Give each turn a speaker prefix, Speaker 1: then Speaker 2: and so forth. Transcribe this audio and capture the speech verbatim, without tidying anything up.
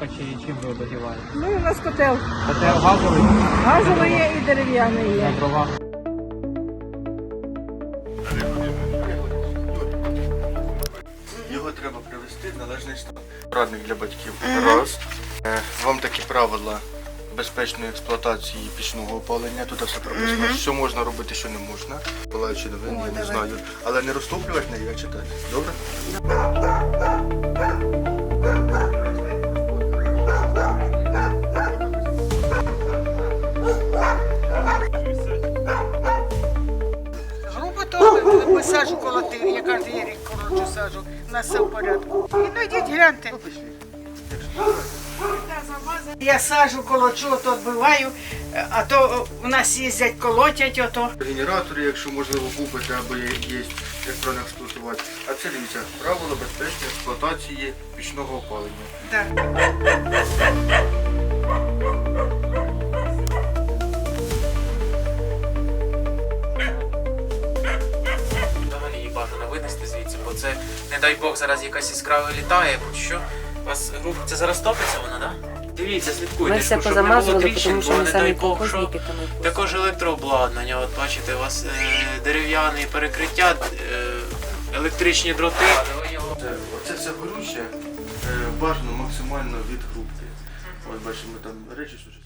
Speaker 1: дровишка чи чим ви обогріваєте?
Speaker 2: Ну, у нас котел.
Speaker 1: Котел газовий?
Speaker 2: Газовий є і дерев'яний
Speaker 1: На
Speaker 2: є.
Speaker 1: дровах.
Speaker 3: Його треба привести в належний стан. Порадник для батьків. Раз. Е, Вам такі правила безпечної експлуатації пічного опалення. Тут все прописано, що можна робити, що не можна. Палаючи новини, я не знаю. Але не розтоплювати неї, а читати. Добре?
Speaker 2: Грубо то сажу колотив, я кожен рік коротше сажу, у нас все в порядку. І ну йдіть гляньте. Я сажу, колочу, то відбиваю, а то у нас їздять, колотять ото.
Speaker 3: Генератори, якщо можливо купити або є, є як правильно експлуатувати. А це дивіться, правила безпечної експлуатації пічного опалення.
Speaker 2: Да.
Speaker 4: Взагалі її бажано винести звідси, бо це, не дай Бог, зараз якась іскра вилітає, будь що. У вас грубо, це зараз топиться вона, так? Да? Дивіться, слідкуйте,
Speaker 5: Ми все
Speaker 4: щоб не було
Speaker 5: позамазували,
Speaker 4: тріщин,
Speaker 5: тому що
Speaker 4: бо
Speaker 5: ми
Speaker 4: не
Speaker 5: самі
Speaker 4: дай Бог, що.
Speaker 5: колхозники, тому і
Speaker 4: Також електрообладнання, от бачите, у вас е, дерев'яні перекриття, е, електричні дроти.
Speaker 3: Це, оце все горюче, е, бажано максимально від грубки. Ось бачимо там речі сучасні.